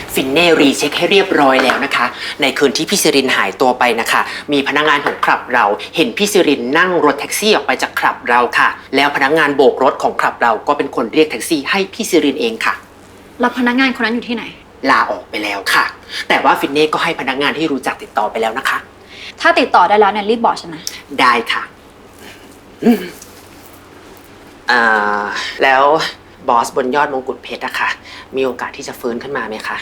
ฟินเน่รีเช็คให้เรียบร้อยแล้วนะคะในคืนที่พี่ซิรินหายตัวไปนะคะมีพนักงานของคลับเราเห็นพี่ซิรินนั่งรถแท็กซี่ออกไปจากคลับเราค่ะแล้วพนักงานโบกรถของคลับเราก็เป็นคนเรียกแท็กซี่ให้พี่ซิรินเองค่ะแล้วพนักงานคนนั้นอยู่ที่ไหนลาออกไปแล้วค่ะแต่ว่าฟินเน่ก็ให้พนักงานที่รู้จักติดต่อไปแล้วนะคะถ้าติดต่อได้แล้วเนี่ยรีบบอกฉันนะได้ค่ะแล้วบอสบนยอดมงกุฎเพชรอะค่ะมีโอกาสที่จะฟื้นขึ้นมาไหมคะ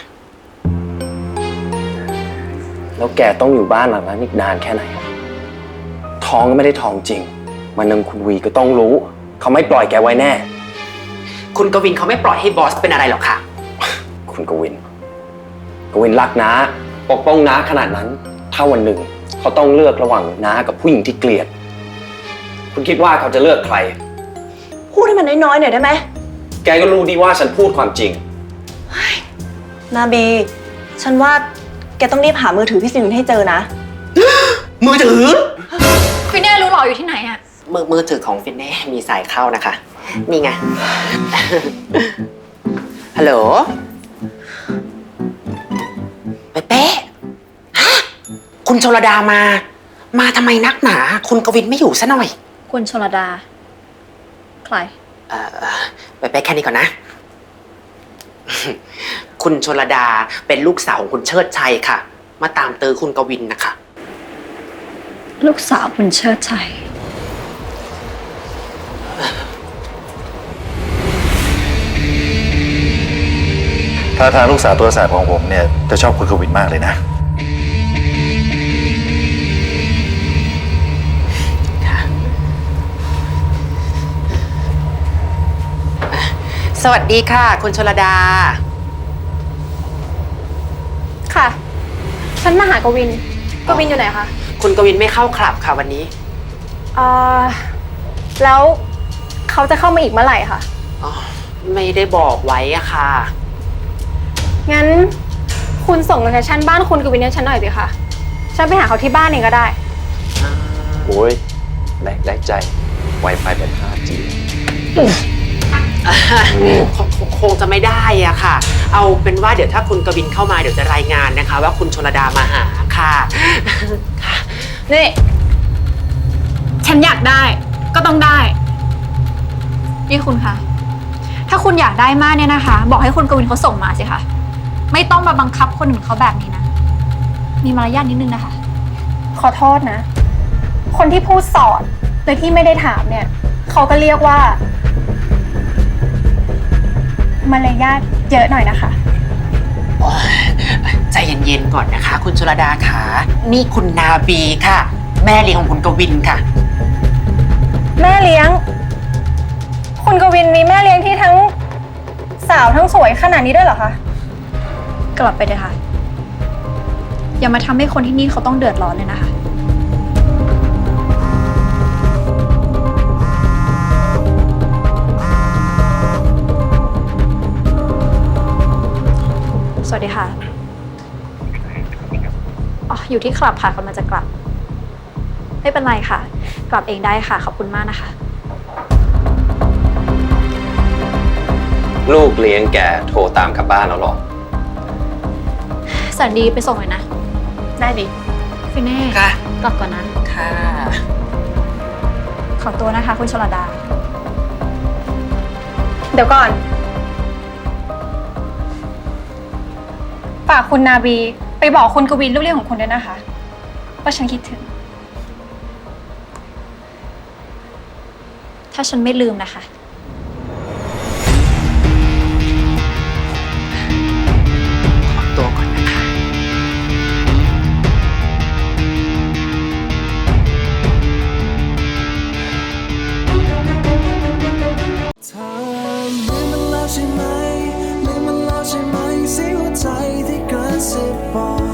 แล้วแกต้องอยู่บ้านหลังนั้นอีกนานแค่ไหนท้องก็ไม่ได้ท้องจริงวันหนึ่งคุณวีก็ต้องรู้เขาไม่ปล่อยแกไว้แน่คุณกวินเขาไม่ปล่อยให้บอสเป็นอะไรหรอกค่ะคุณกวินรักน้าปกป้องน้าขนาดนั้นถ้าวันหนึ่งเขาต้องเลือกระหว่างน้ากับผู้หญิงที่เกลียดคุณคิดว่าเขาจะเลือกใครพูดให้มันน้อยๆหน่อยได้ไหมแกก็รู้ดีว่าฉันพูดความจริงนาบีฉันว่าแกต้องรีบหามือถือพี่ซิรินให้เจอนะมือถือฟินเน่รู้หรออยู่ที่ไหนอะมือถือของฟินเน่มีสายเข้านะคะนี่ไงฮัลโหลเป๊ะคุณชลดามาทำไมนักหนาคุณกวินไม่อยู่ซะหน่อยคุณชลดาใครไปแค่นี้ก่อนนะคุณชลดาเป็นลูกสาวของคุณเชิดชัยค่ะมาตามเตอคุณกวินนะคะลูกสาวคุณเชิดชัยถ้าทางลูกสาวตัวแสบของผมเนี่ยจะชอบคุณกวินมากเลยนะสวัสดีค่ะคุณชลดาค่ะฉันมาหากวินอยู่ไหนคะคุณกวินไม่เข้าคลับค่ะวันนี้แล้วเขาจะเข้ามาอีกเมื่อไหร่คะไม่ได้บอกไว้อะค่ะงั้นคุณส่งโลเคชั่นบ้านคุณกวินให้ฉันหน่อยสิคะฉันไปหาเขาที่บ้านเองก็ได้โอ้ยได้ใจ Wi-Fi แบบ 5G คงจะไม่ได้อะค่ะเอาเป็นว่าเดี๋ยวถ้าคุณกวินเข้ามาเดี๋ยวจะรายงานนะคะว่าคุณชลดามาหาค่ะนี่ฉันอยากได้ก็ต้องได้นี่คุณคะถ้าคุณอยากได้มากเนี่ยนะคะบอกให้คุณกวินเขาส่งมาสิคะไม่ต้องมาบังคับคนอื่นเขาแบบนี้นะมีมารยาทนิดนึงนะคะขอโทษนะคนที่พูดสอนโดยที่ไม่ได้ถามเนี่ยเขาก็เรียกว่ามารยาทเยอะหน่อยนะคะใจเย็นๆก่อนนะคะคุณชลดาค่ะนี่คุณนาบีค่ะแม่เลี้ยงของคุณกวินค่ะแม่เลี้ยงคุณกวินมีแม่เลี้ยงที่ทั้งสาวทั้งสวยขนาดนี้ด้วยเหรอคะกลับไปเลยค่ะอย่ามาทำให้คนที่นี่เขาต้องเดือดร้อนเลยนะคะสวัสดีค่ะอยู่ที่คลับค่ะกำลังจะกลับไม่เป็นไรค่ะกลับเองได้ค่ะขอบคุณมากนะคะลูกเลี้ยงแกโทรตามกลับบ้านแล้วหรอแสนดีไปส่งหน่อยนะได้ดิฟินเน่ค่ะกลับก่อนนะค่ะขอตัวนะคะคุณชลดาเดี๋ยวก่อนฝากคุณนาบีไปบอกคุณกวินลูกเลี้ยงของคุณด้วยนะคะว่าฉันคิดถึงถ้าฉันไม่ลืมนะคะขอตัวก่อนนะคะเธอลืมมันแล้วใช่ไหมเสียงหัวใจที่กระซิบบอก